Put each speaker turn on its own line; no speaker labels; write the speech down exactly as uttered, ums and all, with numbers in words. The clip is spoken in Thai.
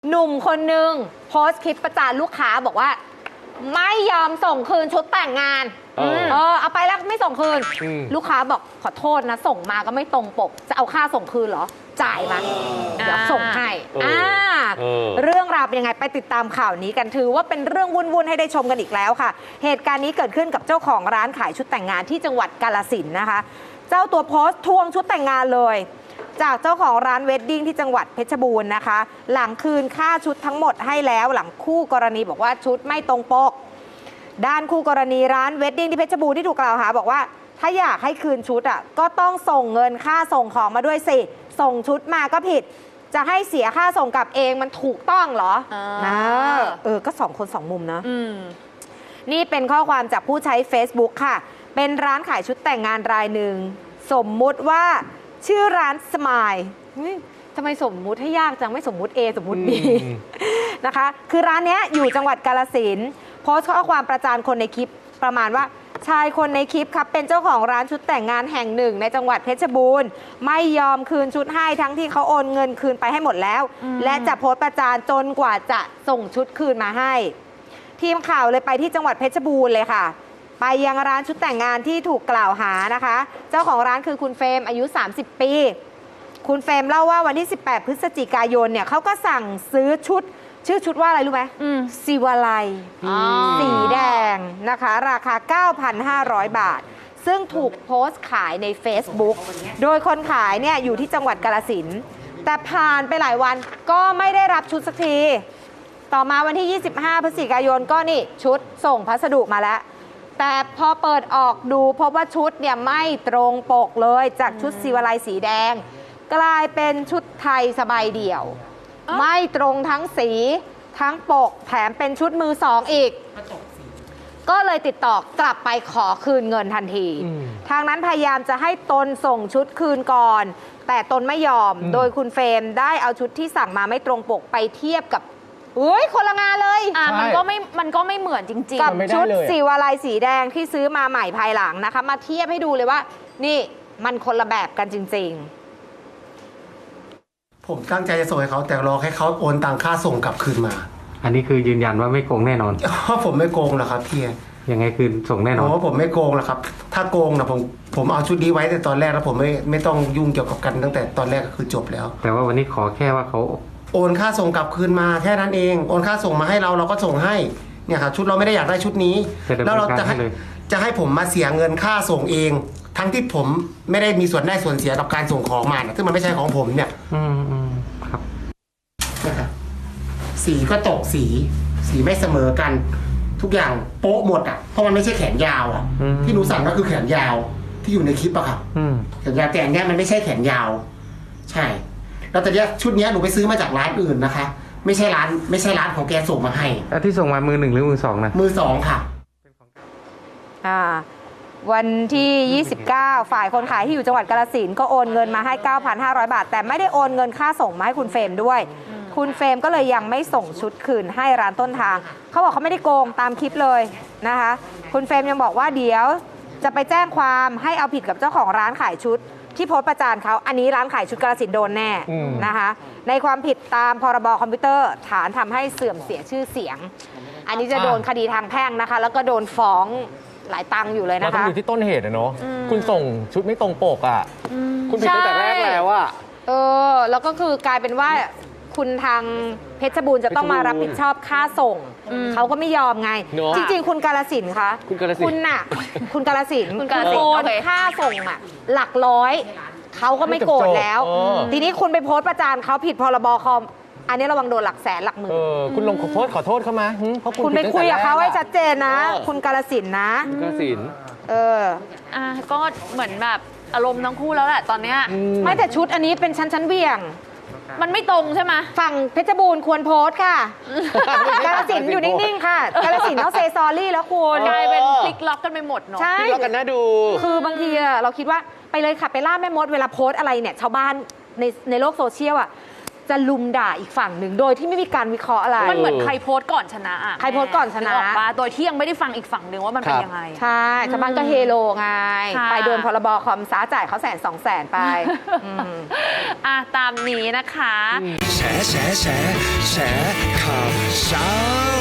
หนุ่มคนหนึ่งโพสต์คลิปประจานลูกค้าบอกว่าไม่ยอมส่งคืนชุดแต่งงานเออเออเอาไปแล้วไม่ส่งคืนลูกค้าบอกขอโทษนะส่งมาก็ไม่ตรงปกจะเอาค่าส่งคืนเหรอจ่ายมาเดี๋ยวส่งให้อ่าเรื่องราวเป็นยังไงไปติดตามข่าวนี้กันถือว่าเป็นเรื่องวุ่นๆให้ได้ชมกันอีกแล้วค่ะเหตุการณ์นี้เกิดขึ้นกับเจ้าของร้านขายชุดแต่งงานที่จังหวัดกาฬสินธุ์นะคะเจ้าตัวโพสต์ทวงชุดแต่งงานเลยจากเจ้าของร้านเวดดิ้งที่จังหวัดเพชรบูรณ์นะคะหลังคืนค่าชุดทั้งหมดให้แล้วหลังคู่กรณีบอกว่าชุดไม่ตรงปกด้านคู่กรณีร้านเวดดิ้งที่เพชรบูรณ์ที่ถูกกล่าวหาบอกว่าถ้าอยากให้คืนชุดอ่ะก็ต้องส่งเงินค่าส่งของมาด้วยสิส่งชุดมาก็ผิดจะให้เสียค่าส่งกลับเองมันถูกต้องเหรอนะเออก็สองคนสองมุมนะนี่เป็นข้อความจากผู้ใช้ Facebook ค่ะเป็นร้านขายชุดแต่งงานรายหนึ่งสมมุติว่าชื่อร้านสมายทำไมสมมุติให้ยากจังไม่สมมุติ A สมมุติ B นะคะคือร้านนี้อยู่จังหวัดกาฬสินธุ์โพสต์ข้อความประจานคนในคลิปประมาณว่าชายคนในคลิปครับเป็นเจ้าของร้านชุดแต่งงานแห่งหนึ่งในจังหวัดเพชรบูรณ์ไม่ยอมคืนชุดให้ทั้งที่เขาโอนเงินคืนไปให้หมดแล้วและจะโพสต์ประจานจนกว่าจะส่งชุดคืนมาให้ทีมข่าวเลยไปที่จังหวัดเพชรบูรณ์เลยค่ะไปยังร้านชุดแต่งงานที่ถูกกล่าวหานะคะเจ้าของร้านคือคุณเฟรมอายุสามสิบปีคุณเฟรมเล่าว่าวันที่สิบแปดพฤศจิกายนเนี่ยเขาก็สั่งซื้อชุดชื่อชุดว่าอะไรรู้ไหมศิวาลัยสีแดงนะคะราคา เก้าพันห้าร้อย บาทซึ่งถูกโพสต์ขายใน Facebook โดยคนขายเนี่ยอยู่ที่จังหวัดกาฬสินธุ์แต่ผ่านไปหลายวันก็ไม่ได้รับชุดสักทีต่อมาวันที่ยี่สิบห้าพฤศจิกายนก็นี่ชุดส่งพัสดุมาแล้วแต่พอเปิดออกดูพบว่าชุดเนี่ยไม่ตรงปกเลยจากชุดศิวาลัยสีแดงกลายเป็นชุดไทยสบายเดี่ยวไม่ตรงทั้งสีทั้งปกแถมเป็นชุดมือสองอีกก็เลยติดต่อกลับไปขอคืนเงินทันทีทางนั้นพยายามจะให้ตนส่งชุดคืนก่อนแต่ตนไม่ยอมโดยคุณเฟรมได้เอาชุดที่สั่งมาไม่ตรงปกไปเทียบกับเฮ้ยคนละงานเลย
อ่ะมันก็ไม่มันก็ไม่เหมือนจริง
ๆกับชุดสีวาลัยสีแดงที่ซื้อมาใหม่ภายหลังนะคะมาเทียบให้ดูเลยว่านี่มันคนละแบบกันจริงๆ
ผมตั้งใจจะส่งให้เขาแต่รอให้เขาโอนตังค่าส่งกลับคืนมา
อันนี้คือยืนยันว่าไม่โกงแน่นอน
เพราะผมไม่โกงหรอกครับพี่
ยังไงคือส่งแน่นอน
เพราะผมไม่โกงหรอกครับถ้าโกงนะผมผมเอาชุดนี้ไว้แต่ตอนแรกแล้วผมไม่ไม่ต้องยุ่งเกี่ยวกับกันตั้งแต่ตอนแรกก็คือจบแล้ว
แต่ว่าวันนี้ขอแค่ว่าเขา
โอนค่าส่งกลับคืนมาแค่นั้นเองโอนค่าส่งมาให้เราเราก็ส่งให้เนี่ยครับชุดเราไม่ได้อยากได้ชุดนี้แล้วเราจะให้จะให้ผมมาเสียเงินค่าส่งเองทั้งที่ผมไม่ได้มีส่วนได้ส่วนเสียกับการส่งของมาซึ่งมันไม่ใช่ของผมเนี่ย
อืมอืมครับ
นะครับสีก็ตกสีสีไม่เสมอกันทุกอย่างโป๊ะหมดอ่ะเพราะมันไม่ใช่แขนยาวอ่ะที่หนูสั่งก็คือแขนยาวที่อยู่ในคลิปอะครับแขนยาวแต่อันนี้มันไม่ใช่แขนยาวใช่แล้วแต่เนี้ยชุดเนี้ยหนูไปซื้อมาจากร้านอื่นนะคะไม่ใช่ร้านไม่ใช่ร้านของแกส่งมาให้
แล้วที่ส่งมามือหนึ่งหรือมือสองนะ
มือสองค่ะ
อ่าวันที่ยี่สิบเก้าฝ่ายคนขายที่อยู่จังหวัดกาฬสินธุ์ก็โอนเงินมาให้ เก้าพันห้าร้อย บาทแต่ไม่ได้โอนเงินค่าส่งมาให้คุณเฟรมด้วยคุณเฟรมก็เลยยังไม่ส่งชุดคืนให้ร้านต้นทางเขาบอกเขาไม่ได้โกงตามคลิปเลยนะคะคุณเฟรมยังบอกว่าเดี๋ยวจะไปแจ้งความให้เอาผิดกับเจ้าของร้านขายชุดที่โพสต์ประจานเขาอันนี้ร้านขายชุดกาฬสินธุ์โดนแน่นะคะในความผิดตามพรบคอมพิวเตอร์ฐานทำให้เสื่อมเสียชื่อเสียงอันนี้จะโดนคดีทางแพ่งนะคะแล้วก็โดนฟ้องหลายตังค์อยู่เลยนะคะ
มันต้องอยู่ที่ต้นเหตุนะเนาะคุณส่งชุดไม่ตรงปกอ่ะคุณผิดตั้งแต่แรกแล้วอ่ะ
เออแล้วก็คือกลายเป็นว่าคุณทางเพชรบูรณ์จะต้องมารับผิดชอบค่าส่งเขาก็ไม่ยอมไงจริงๆคุณกาฬสินธุ์คะคุณน่ะคุณกาฬสินธุ์โอนค่าส่งอ่ะหลักร้อยเขาก็ไม่โกรธแล้วทีนี้คุณไปโพสต์ประจานเขาผิดพรบคอมอันนี้ระวังโดนหลักแสนหลักหมื่น
คุณลงขอโทษขอโทษเขามาเพราะ
คุณไปคุยกับเขาให้ชัดเจนนะคุณกาฬสินธุ์นะ
กาฬสินธุ์
เออ
อ่ะก็เหมือนแบบอารมณ์ทั้งคู่แล้วแหละตอนเนี้ย
ไม่แต่ชุดอันนี้เป็นชั้นชั้นเบี่ยง
มันไม่ตรงใช่ไหม
ฝั่งเพชรบูรณ์ควรโพสต์ค่ะกาฬสินธุ์อยู่นิ่งๆค่ะกาฬสินธุ์ต้องเซซอรี่แล้วคุณ
กลายเป็นพลิกล็อกกันไปหมดเนาะ
ใช่
พลิกล็อกกันน่าดู
คือบางทีเราคิดว่าไปเลยค่ะไปล่าแม่มดเวลาโพสต์อะไรเนี่ยชาวบ้านในในโลกโซเชียลอ่ะจะลุมด่าอีกฝั่งหนึ่งโดยที่ไม่มีการวิเคราะห์อะไร
มันเหมือนใครโพสต์ก่อนชนะอะ
ใครโพสต์ก่อนชนะ
กออกมาโดยที่ยังไม่ได้ฟังอีกฝั่งหนึ่งว่ามันเป็นยังไง
ใช่ชาวบ้านก็เฮโลไง
ค่ะ
ไปโดนพรบคอมซาจ่ายเขาแสนสองแสนไปอืม
อ่ะตามนี้นะคะ
แฉแฉแฉแฉข่าวเช้า